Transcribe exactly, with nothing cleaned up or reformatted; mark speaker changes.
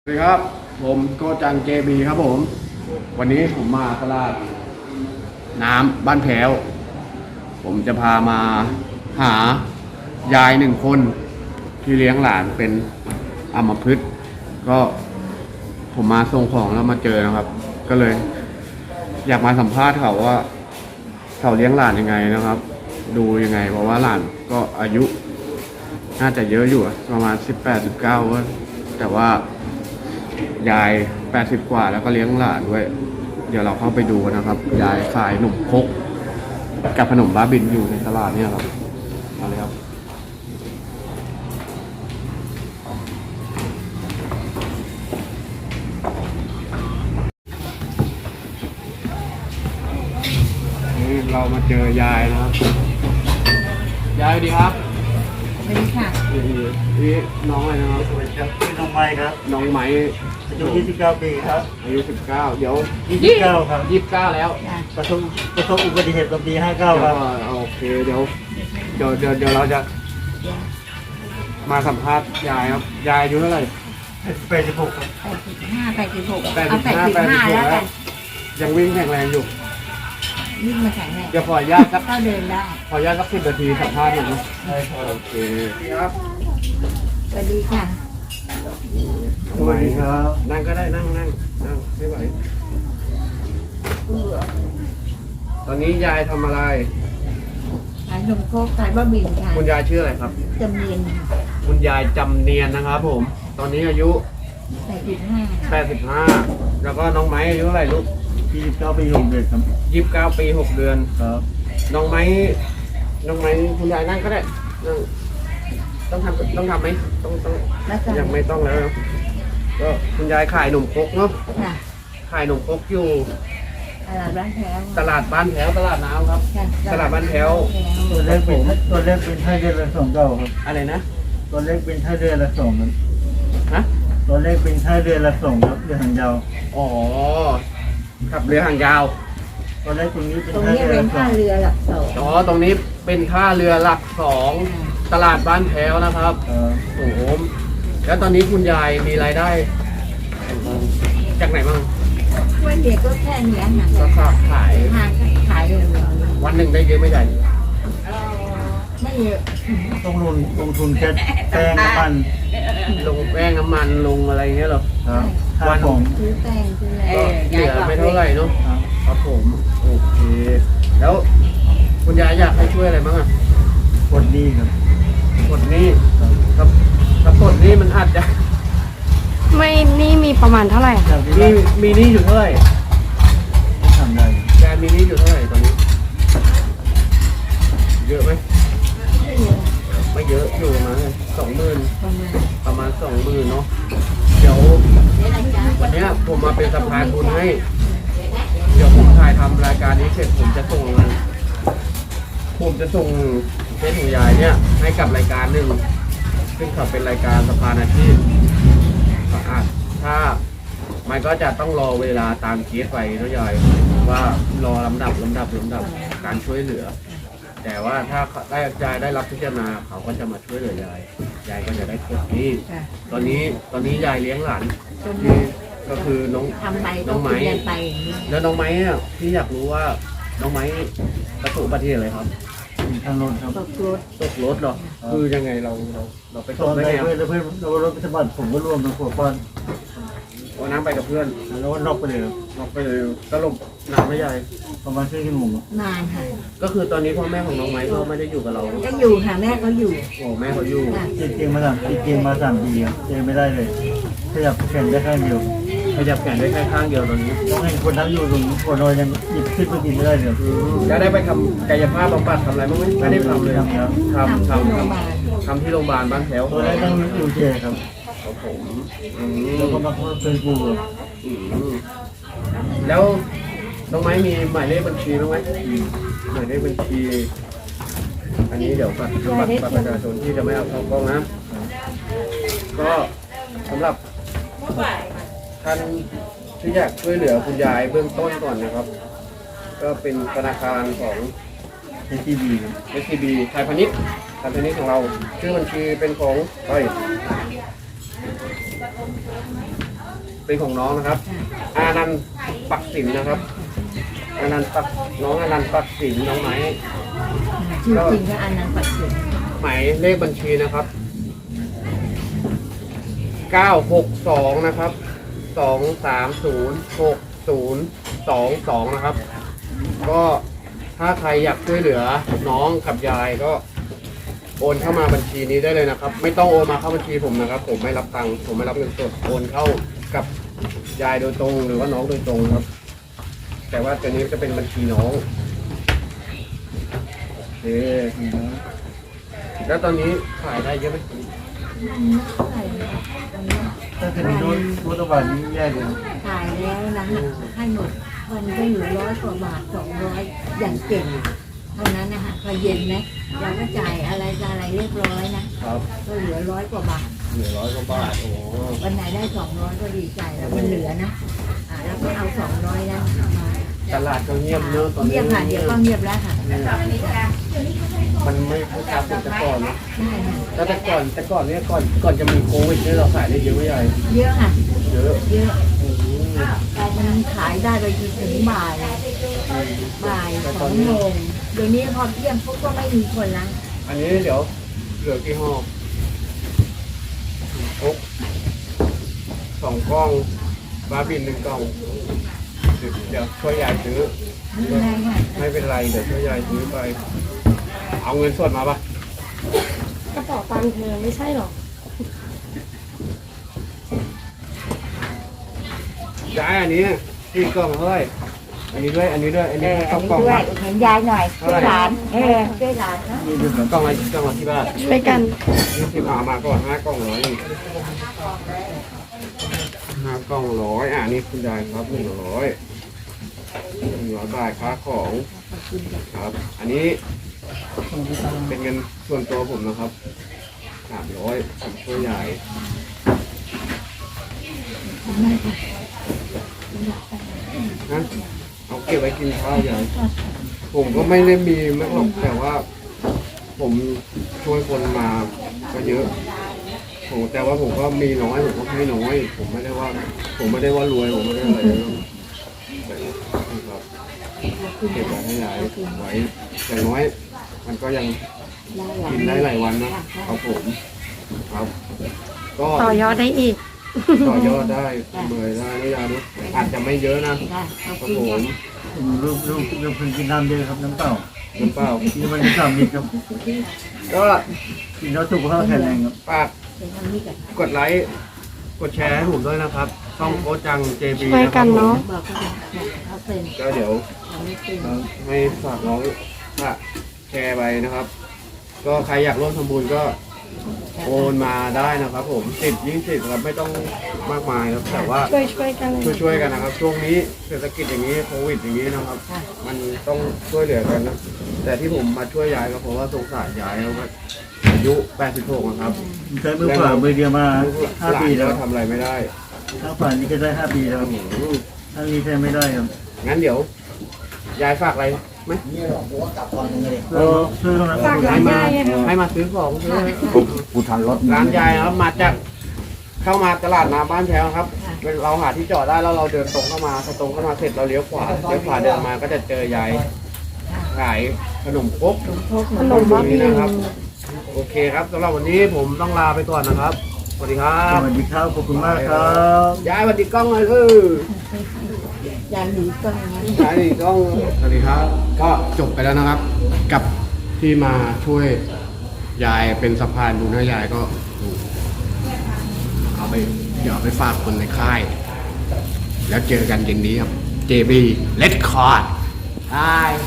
Speaker 1: สวัสดีครับผมโกจังเจบีครับผมวันนี้ผมมาตลาดน้ำบ้านแพ้วผมจะพามาหายายหนึ่งคนที่เลี้ยงหลานเป็นอัมพฤกษ์ก็ผมมาส่งของแล้วมาเจอนะครับก็เลยอยากมาสัมภาษณ์เขาว่าเขาเลี้ยงหลานยังไงนะครับดูยังไงเพราะว่าหลานก็อายุน่าจะเยอะอยู่ประมาณสิบแปด สิบเก้าแต่ว่ายายแปดสิบกว่าแล้วก็เลี้ยงหลานด้วยเดี๋ยวเราเข้าไปดูกันนะครับยายขายขนมครกกับขนมบ้าบินอยู่ในตลาดเนี่ยครับมาเลยครับนี่เรามาเจอยายนะครับยายสวัสดีครับ
Speaker 2: สวัสดีค่ะ
Speaker 1: นี่นี่น้องอะไรนะครับ
Speaker 3: สวัสดีครับชื่อน้องไม้ครับ
Speaker 1: น้องไม้
Speaker 3: อายุยี่สิบเก้าปีครับ
Speaker 1: อายุสิบเก้าเดี๋ยว
Speaker 3: ยี่สิบเก้าครับ
Speaker 1: ยี่สิบเก้าแล้ว
Speaker 3: ประสบประสบอุบัติเหตุตอนปีห้าเก้าครับ
Speaker 1: โอเคเดี๋ยวเดี๋ยวเดี๋ยวเดี๋ยวเราจะมาสัมภาษณ์ยายครับยายอายุเท่าไหร่
Speaker 3: แปดสิบหกครับ
Speaker 2: แปดสิบห้าแปดสิบหก
Speaker 1: แปดสิบห้าแปดสิบหกแล้วยังวิ่งแข็งแรงอยู่
Speaker 2: วิ่งมาแข็งแรง
Speaker 1: เดี๋ยวขออนุญาตครับ
Speaker 2: ก็เดินได้
Speaker 1: ขออนุญาตสักสิบนาทีสัมภาษณ์หน่อยนะ
Speaker 3: ใช่ครับ
Speaker 1: โอเคครับ
Speaker 2: สวัสดีค่ะ
Speaker 3: สวัสดีครับ
Speaker 1: นั่งก็ได้นั่งนั่งนั่งไม่ไหวตอนนี้ยายทำอะไร
Speaker 2: ขายนมโคกขายบะหมี่ค่ะ
Speaker 1: คุณยายชื่ออะไรครับ
Speaker 2: จำเนียนค่ะ
Speaker 1: คุณยายจำเนียนนะครับผมตอนนี้อายุ
Speaker 2: แปดสิบห้า
Speaker 1: แปดสิบห้าแล้วก็น้องไม้อายุเท่าไหร่ลูก
Speaker 3: ยี่สิบเก้าปีหกเดือนครับ
Speaker 1: ยี่สิบเก้าปีหกเดือน
Speaker 3: ครับ
Speaker 1: น้องไม้น้องไม้คุณยายนั่งก็ได้นั่งต้องทำต้องทำไหมต้องต้องยังไม่ต้องแล้วก็คุณยายขายขนมครกเนาะขายขนมครกอยู่
Speaker 2: ตลาดบ้านแพ้ว
Speaker 1: ตลาดบ้านแพ้วตลาดน้ำครับตลาดบ้านแพ้ว
Speaker 3: ตัวเลขเป็นตัวเลขเป็นไทยเดือนละสองเก้าครับ
Speaker 1: อะไรนะ
Speaker 3: ตัวเลขเป็นไทยเดือนละสองครับ
Speaker 1: ฮะ
Speaker 3: ตัวเลขเป็นไทยเดือนละสองครับเรือหางยาว
Speaker 1: อ๋อขับเรือหางยาว
Speaker 3: ตัวเลขตรงนี้เป็น
Speaker 2: ตรงนี้เป็นท่าเรือหลักสอง
Speaker 1: อ๋อตรงนี้เป็นท่าเรือหลักสองตลาดบ้านแพ้วนะครับโอ้โหแล้วตอนนี้คุณยายมีรายได้จากไหนบ้าง
Speaker 2: ช่วยเด็กก็แค่นี้ค่ะ
Speaker 1: ก็ขาย
Speaker 2: ขายขายเลย
Speaker 1: วันหนึ่งได้เยอะไม่ใหญ่
Speaker 2: ไม่เยอะ
Speaker 3: ต้องลงลงทุนแค่แป้งน้ำมัน
Speaker 1: ลงแป้งน้ำมันลงอะไรเงี้ยหรอ
Speaker 3: วันของ
Speaker 2: ซื้อแป้งซื้ออะไร
Speaker 1: เหลือไม่เท่าไหร่เนาะครับผมโอเคแล้วคุณยายอยากให้ช่วยอะไรบ้างอ่ะ
Speaker 3: กดนี้ครับ
Speaker 1: กดนี้ครับถ้ากดนี้มันอาจจะ
Speaker 4: ไม่นี่มีประมาณเท่าไหร่
Speaker 1: มีมีนี่อยู่เท่าไหร่
Speaker 3: ทำได้
Speaker 1: แกมีนี่อยู่เท่าไหร่ตอนนี้เยอะไหมไม่เยอะอยู่ประมาณสองหมื่นประมาณสองหมื่นเนาะเดี๋ยววันนี้ผมมาเป็นสะพานบุญให้เดี๋ยวผมถ่ายทำรายการนี้เสร็จผมจะส่งผมจะส่งเพจของยายเนี่ยให้กับรายการหนึ่งซึ่งเขาเป็นรายการสะพานอาชีพถ้ามันก็จะต้องรอเวลาตามเคสไปนะยายว่ารอลำดับลำดับลำดับการช่วยเหลือแต่ว่าถ้าได้ยายได้รับพิจารณาเขาก็จะมาช่วยเหลือยายยายก็จะได้ครบที่ตอนนี้ตอนนี้ยายเลี้ยงหลานที่ก็คือน้องน้องไม้แล้วน้องไม้เนี่ยที่อยากรู้ว่าน้องไม้ประสบอุบัติเหตุอะไรครับ
Speaker 3: ทางรถครับ
Speaker 2: ตกรถ
Speaker 1: ตกรถเหรอคือยังไงเราเราเราไปตกได้ไง
Speaker 3: เพื่อนเพื่อนเรารถไปสะบัดผมก็ร่วมทั้งขวดก้อน
Speaker 1: วันนั้นไปกับเพื่อน
Speaker 3: แล้วก็นอกไปเลย
Speaker 1: นอกไปเลยสรุปนานไม่ใหญ่
Speaker 3: ประมาณครึ่งชั่วโมง
Speaker 2: นานค่ะ
Speaker 1: ก็คือตอนนี้พ่อแม่ของน้องไม้เขาไม่ได้อยู่กับเรา
Speaker 2: ยังอยู่ค่ะแม่เขาอยู่
Speaker 1: โอ้แม่เขาอยู่
Speaker 3: จริงๆมาสามจริงๆมาสามปีเจอไม่ได้เลยขยับแขนได้ข้างเดียว
Speaker 1: ขยับแขนได้แค่ข้างเดียวตอนนี้
Speaker 3: ต้องให้คนทั้งอยู่ตรงคนนอนยังหยิบขึ้นมากินไม่ได้เลย
Speaker 1: จะได้ไปทำกายภาพบำบัดทำอะไรบ้างไหมไม่ได้ทำเลยทำทำทำทำที่โรงพยาบาลบ้านแถว
Speaker 3: ตัวแรกต้องอยู่เจครับ
Speaker 1: ครับผม
Speaker 3: แล้วก็มาเฟซบุ๊ก
Speaker 1: แล้วน้องไม้มีหมายเลขบัญชีบ้างไหมหมายเลขบัญชีอันนี้เดี๋ยวบัตรบัตรประชาชนที่จะไม่เอาเข้ากล้องนะก็สำหรับท่านที่อยากช่วยเหลือคุณยายเบื้องต้นก่อนนะครับก็เป็นธนาคารของ
Speaker 3: เอส ที บี
Speaker 1: เอส ที บี ไทยพาณิชย์ไทยพาณิชย์ของเราชื่อบัญชีเป็นของเฮ้ยเป็นของน้องนะครับ อานันต์ปักสินนะครับ อานันต์ปักน้องอานันต์ปักสินน้องไหม
Speaker 2: ชื่อจริงก็อันนั้นปัดเสียง
Speaker 1: หมายเลขบัญชีนะครับเก้าหกสองนะครับสองสามศูนย์หกศูนย์สองสองนะครับ ก็ถ้าใครอยากช่วยเหลือน้องกับยายก็โอนเข้ามาบัญชีนี้ได้เลยนะครับ ไม่ต้องโอนมาเข้าบัญชีผมนะครับ ผมไม่รับตังค์ผมไม่รับเงินสดโอนเข้ากับยายโดยตรงหรือว่าน้องโดยตรงครับ แต่ว่าตัวนี้จะเป็นบัญชีน้องโอเคแล้วตอนนี้ขายได้เยอะไหม
Speaker 3: ถ้าจะมีรถรถกระบะนี้แย่เลย
Speaker 2: ขายแล้วนะให้หมดวันก็อยู่ร้อยกว่าบาทสองร้อยอย่างเก่งเท่านั้นนะคะพอเย็นไหมเราก็จ่ายอะไรจะอะไรเรียบร้อยนะครับ ก็เหลือร้อยกว่าบาท
Speaker 1: เหลือร้อยกว่าบาทโอ้
Speaker 2: วันไหนได้สองร้อยก็ดีใจแล้วมันเหลือนะอ่าแล้วก็เอาสองร้อยนั้นมา
Speaker 1: ตลาดก็เงียบเนอะตอนนี้
Speaker 2: เงียบค่ะเดี๋ยวก็เงียบแล้วค่ะ
Speaker 1: มันไม่ค่อยค้าเหมือนแต่ก่อนนะ
Speaker 2: ใช่ค่ะ
Speaker 1: แล้วแต่ก่อนแต่ก่อนเนี่ยก่อนก่อนจะมีโควิดเนี่ยเราขายได้เยอะไหมยาย
Speaker 2: เยอะค่ะ
Speaker 1: เยอะ
Speaker 2: เยอะ
Speaker 1: อืม
Speaker 2: มันขายได้ไปจนถึงบ่ายบ่ายสองโมงเดี๋ยวนี้พอเที่ยงพวกก็ไม่มีคนละ
Speaker 1: อันนี้เดี๋ยวเหลือกี่ห่อโอ๊กสองกล้องบาร์บินหนึ่งกล่องเดี๋ยวช่วยยายซื้อ
Speaker 2: ไม่เป็นไรค่ะ
Speaker 1: ไม่เป็นไรเดี๋ยวช่วยยายซื้อไป เอาเงินสดมาปะ
Speaker 4: กระเป๋าตังค์เธอไม่ใช่หรอ
Speaker 1: ยายอันนี้ที่กล่องเท่าไหร่อันนี้ด้วยอันนี้ด้วยอัน
Speaker 2: เอ
Speaker 1: นี้
Speaker 2: ออั
Speaker 1: ต้
Speaker 2: น
Speaker 1: อง
Speaker 2: นี้
Speaker 1: กล่อง
Speaker 2: ด้วย
Speaker 1: นะ
Speaker 2: เห็นยายหน่อยช่วยหลานเออช่วยหลานนะ
Speaker 3: นี่ดูเหมือน
Speaker 1: กล่องอะไรกล่องละที่บ้าน
Speaker 4: ช่วยกัน
Speaker 1: ยี่สิบเอามาก่อนห้ากล่องร้อยหนึ่งห้ากล่องร้อยอ่านี่คุณยายครับหนึ่งร้อยหนึ่งร้อยบาทค่าของครับ อันนี้เป็นเงินส่วนตัวผมนะครับสามร้อยผมช่วยยายนะเอาเก็บไว้กินข้าวยายผมก็ไม่ได้มีมากหรอกแต่ว่า ผมช่วยคนมาก็เยอะผมแต่ว่าผมก็มีน้อยผมก็ให้น้อย ผมไม่ได้ว่า ผมไม่ได้ว่ารวยผมไม่ได้อะไรนะแต่ครับเก็บไว้ให้ยายไว้อย่างน้อย มันก็ยังกินได้หลายวันนะครับผมครับ ก็
Speaker 4: ต่อยอดได้อีก
Speaker 1: ต่อยอดได้เบื่อได้ไม่ยาด้วยอาจจะไม่เยอะนะ
Speaker 2: ได้เอา
Speaker 1: ครับ
Speaker 2: กิน
Speaker 1: ผ
Speaker 2: กั
Speaker 1: ม
Speaker 2: น
Speaker 3: รูปรูปรูปพึงกินน้ำเยอะครับน้ำเปล่า
Speaker 1: น้ำเปล่า
Speaker 3: นี่มันสามลิตรครับ
Speaker 1: ก็
Speaker 3: กินแล้วสุขภาพแข็งแรงครับ
Speaker 1: ฝาก
Speaker 2: เดี๋ยวทำนี่กัน
Speaker 1: กดไลค์กดแชร์ให้ผมด้วยนะครับช่องโคชจัง เจ บี
Speaker 4: ช่วยกันเนอะ
Speaker 2: บอกเขาเขาเป็น
Speaker 1: ก็เดี๋ยว
Speaker 2: เขาไม่เป็น
Speaker 1: ให้ฝากน้องฝากแชร์ไปนะครับ ก็ใครอยากร่วมทำบุญก็โอนมาได้นะครับผมสิบยี่สิบครับไม่ต้องมากมายครับแต่ว่า
Speaker 4: ช่วยช่วยกัน
Speaker 1: ช่วยช่วยๆกันนะครับ ช่วงนี้เศรษฐกิจอย่างนี้โควิดอย่างนี้นะครับ มันต้องช่วยเหลือกันนะแต่ที่ผมมาช่วยยายก็เพราะว่าสงสารยายเขาก็อายุแปดสิบหกนะครับ
Speaker 3: ใช้มือขวามือเดียวมาห้า
Speaker 1: หลาน
Speaker 3: ปีแล้ว
Speaker 1: ก็ทำอะไรไม่ได้
Speaker 3: ข้างขวานี่ก็ได้ห้าปีแล้วครับ
Speaker 1: อืม
Speaker 3: ทางนี้ใช้ไม่ได้ครับ
Speaker 1: งั้นเดี๋ยว ยายฝากอะไรไหม
Speaker 3: เราช่วยกันนะ
Speaker 4: ฝากร้านยายอะค่ะ
Speaker 1: ให้มาซื้อของซื้อ
Speaker 3: กูทันรถ
Speaker 1: ร้านยายนะครับมาจากเข้ามาตลาดน้ำบ้านแถวครับเราหาที่จอดได้แล้วเราเดินตรงเข้ามาพอตรงเข้ามาเสร็จเราเลี้ยวขวาเลี้ยวขวาเดินมาก็จะเจอยายขายขนมครก
Speaker 4: ขนมบ้าบิน
Speaker 1: นะครับ โอเคครับสำหรับวันนี้ผมต้องลาไปก่อนนะครับสวัสดีครั
Speaker 3: ส
Speaker 1: บ
Speaker 3: วัสดีครับขอบคุณมากครับ
Speaker 1: ยายสวัสดีกล้องเลยเออ
Speaker 2: ยายหนีก็อย่างนั้น
Speaker 1: ยายสวัสดีกล้องสวัสดีครับ ก็จบไปแล้วนะครับ กับที่มาช่วยยายเป็นสะพานบุญให้ยายก็ดูเอาไปเดี๋ยวเอาไปฝากคนในค่าย แล้วเจอกันเย็นนี้ครับ เจ บี Red Card ใช่